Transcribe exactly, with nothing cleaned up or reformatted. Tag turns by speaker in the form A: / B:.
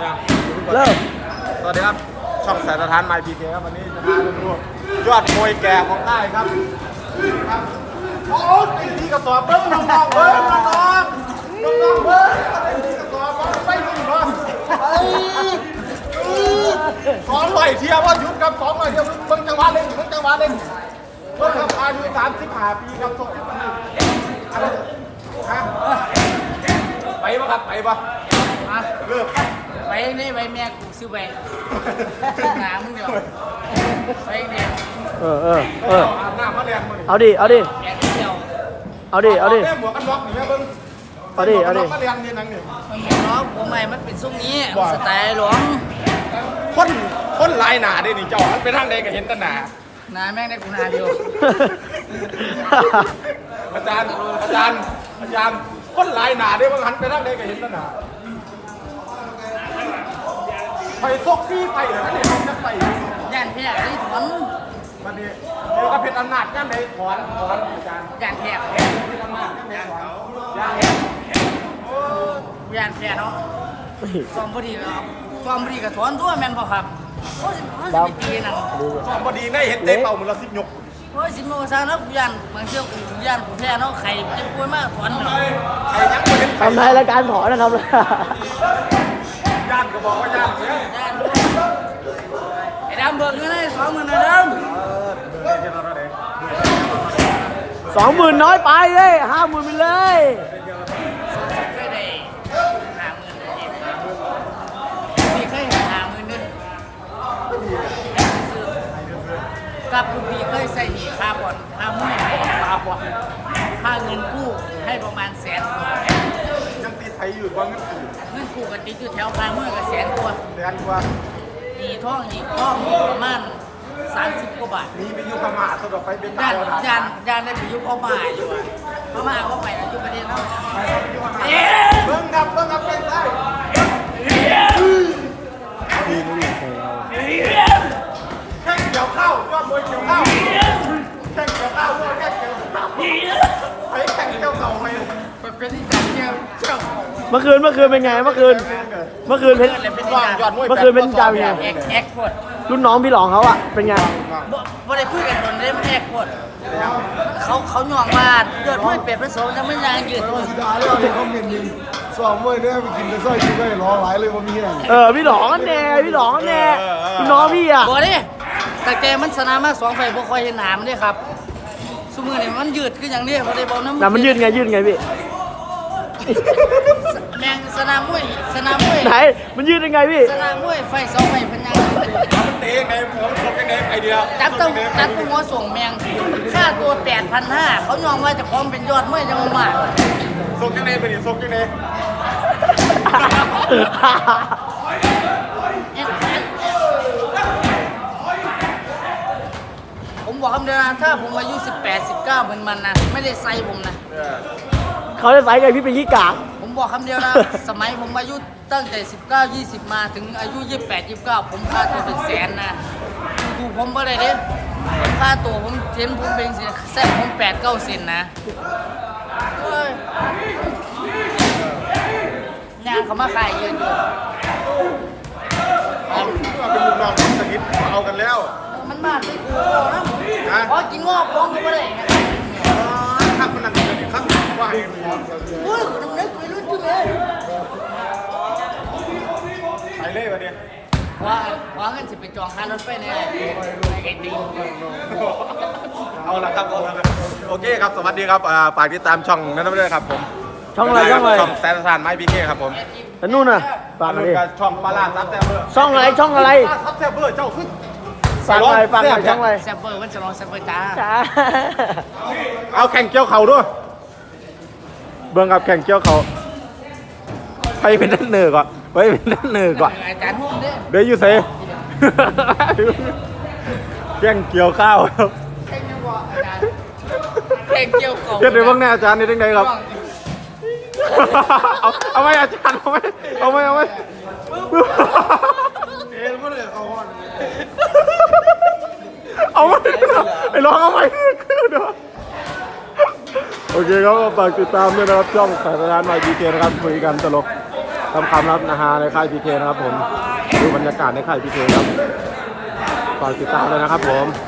A: เริ่ม
B: สวัสดีครับช่องสายสถานไมพีเคครับวันนี้จะพาไปดูยอดมวยแก่ของค่ายครับครับโอ้ยที่กระสอบเบิ้งน้องๆเบิ้งน้องๆน้องๆเบิ้งที่กระสอบไปดูเนาะสองร้อยเทียว่ายุบครับสองร้อยเทียเบิ้งจังหวะเล่นเบิ้งจังหวะเล่นเบิ้งครับอายุสามสิบห้าปีครับส่งที่มันอะไรฮะไปปะครับไปปะเริ่ม
C: ไปนี่ไปแม่กูซื้อไปหนามึงเดี๋ยวไปเนี่ย
A: เออเออเออ
B: อาบน้ำมาแรงมา
A: เอาดิเอาดิ
C: แอบเที่ยว
A: เอาดิเอาดิ
B: แม่หมวกกันน็อกนี่แม่เบิ้ง
A: เอาดิเอาดิ
B: มาแรงนี่นังนี่
C: มันเห็นเนาะผมใหม่มันเป็นทรงนี้สไตล์หลวง
B: คนคนลายหนาได้นี่เจ้ามันไปทางใดก็เห็นแต่หนา
C: หนาแม่งได้กูนาเดียว
B: อาจารย์อาจารย์อาจารย์คนลายหนาได้ว่าหันไปทางใดก็เห็นแต่หนาไปซกซี่ไปเหรอเนี่ยจะไป
C: ย่านแพร่ที่ถอน
B: วันนี้เดี๋ยวก็เป็นอำนาจย่านใดถอนถอนอาจารย์
C: ย่านแพร่
B: เป็นอำนาจย่านใดถอนย่าน
C: ย่านแพร่เนาะฟอร์มพอดีครับฟอร์มพอดีกับถอนตัวแมนบ่ครับโอ้ยสิบปีนั่น
B: สอบพอดีได้เห็นเตะเป่าเหมือนเราสิบยก
C: โอ้ยสิบโมงเช้าแล้วย่านบางเที่ยวกูย่านกูแพร่เนาะไข่เจ็บป่วยมากถอนเนาะ
B: ไอ้ยังไม่เห็น
A: ทำไทยรายการถอนนะครับเลย
B: ย่านก็บอกว่าย่านเนี่ย
C: ย่านไอ้ดำเบิกเงินให้สองหมื่นนะดำ
A: สองหมื่นน้อยไปเลยห้าหมื่นไปเลย
C: เคยได้ห้าหมื่นเลยพี่เคยห้าหมื่นด้วยกับลูกพี่เคยใส่หนีค่าบ่อนค่ามุ่ยค่าบ่อนค่าเงินกู้ให้ประมาณแสนกว่า
B: ยังตีไทยอยู่ว่าเงินกู
C: เงินกู้กันติดอยู่แถวค่ามุ่ยกับแสนกว่า
B: แสนกว่า
C: มีท่องอีกท่องอีกประมาณสามสิบกว่าบาท
B: มีไปอยู่พม่าสะดวกไปเป็น
C: ยา
B: ดาน วดาวย
C: านยานได้ไปอยุคพม่าอยู่อะพม่าเขาไปแล้วอยู่ประเทศเรา
B: เบิ้งครับเบิ้งครับเป็นได้แข่งเกี่ยวข้าวยอดมวยเกี่ยวข้าวแข่งเกี่ยวข้าวยอดแข่งเกี่ยวข้าวไปแข่งเกี่ยวเข่าไป
C: เป็นที่จัดเที่ยวเที่ยว
A: เมื่อคืนเมื่อคืนเป็นไงเมื่อคืนเมื่อคืนเพชร
C: เป็นที่
B: ว่าง
C: จัด
B: ยอดมวย
A: เมื่อคืนเป็นจาเป็นไง
C: แอกแอกโคตร
A: รุ่นน้องพี่หลองเขาอะเป็นไง
C: บ่บ่ได้คุยกันโดนได้แอกโคตรเขาเขาหน่วงมาเกิดไม่เป็ดผสมจะไม่ยางยืด
D: สีดาแล้วในคอมเมนต์นี่สอบมวยเนี่ยไปกินแต่สร้อยกินได้รอหลายเลยว่ามีแห้ง
A: เออพี่หลองกันแน่พี่หลองกันแน่รุ่นน้องพี่อะ
C: บ่ดิแต่แกมันชนะมาสองไฟบ่ค่อยเห็นหนามเด้ครับสมือนี่มันยืดคืออย่างนี้บ่ได้บอกน้ำ
A: แต่มันยืดไงยืดไงพี่
C: แมงสนามมวยสนามมวย
A: ไหนมันยืดยังไงพี่
C: สนามมวยไฟสองไฟพันยัง
B: มันเตะไงผมชกยังไงไอเดีย
C: จับต้องจับตัวหัวส่งแมงค่าตัว แปดพันห้าร้อย เขายอมว่าจะพร้อมเป็นยอดมวยจังหวัด
B: ชกยังไงไปดิชกยังไง
C: ผมบอกคำเดียวนะถ้าผมอายุสิบแปด สิบเก้าเหมือนมันนะไม่ได้ไซส์ผมนะ
A: เขาได้ใส่ไงพี่เป็นขี้กาก
C: ผมบอกคำเดียวนะ สมัยผมอายุตั้งแต่สิบเก้า ยี่สิบมาถึงอายุยี่สิบแปด ยี่สิบเก้าผมค่าตัวเป็นแสนนะดูผมบ่ได้เด้ผมค่าตัวผมเห็นผมเป็นสิแซ่บผมแปดเก้าเซนนะเฮ้ยงานเขามาขายเยอะอยู่
B: เอาเป็นลูกน้องสนิทเอากันแล้ว
C: มันมาที่กูนะขอกินงอกร้องก็ไม่ได้ไง
B: ข้างมันนั่นเลยข้างว่าเห็น
C: เฮ้ยน้ำเล็กไปรุ่นจุดเลย
B: ไปเล่วันนี้
C: ว่าว่าเงินสิไปจองค่ารถไฟเนี่ยไอ้ตี
B: เอาละครับเอาละโอเคครับสวัสดีครับฝากติดตามช่องนั้นด้วยครับผม
A: ช่องอะไรช่องอะไร
B: ช่องแซนสานไม้พีเคครับผม
A: แล้วนู่นน่ะฝากมาดิ
B: ช่องปลาลาซับแซ่บเบอร์
A: ช่องอะไรช่องอะไร
B: ซับแซ่บเบอร์เจ้าขึ้น
A: ฝากอะไรฝากหน่อยช่องอะไร
C: แซมเบอร์วันจะลองแซมเบอร์จ้า
A: จ้า
B: เอาแข่งเกี่ยวเข่าด้วยเบิ่งกับแข่งเกี่ยวเข่าไปเป็นด้านเหนือก่อนไปเป็นด้านเหนือก่อน
C: อาจารย์หุ่นเนี่ย
B: เดี๋ยวอยู่เซแข่งเกี่ยวข้าวครับ
C: แข่งยังบอกอาจารย์แข่งเกี่ยวกับ
B: เดี๋ยวเดี๋ยวเบิ่งแน่อาจารย์นี่ได้ไงครับเอาเอาไว้อาจารย์เอาไว้เอาไว้เอาไว้เอ็นไม่ได้เขาว่าเอาไว้ไอ้ร้องเอาไว้คือเด้อโอเคครับฝากติดตามด้วยนะครับช่องสายทานไมค์ดีเจนะครับคุยกันตลกทำคำรับนะฮะในค่ายพีเคนะครับผมดูบรรยากาศในค่ายพีเคครับฝากติดตามเลยนะครับผม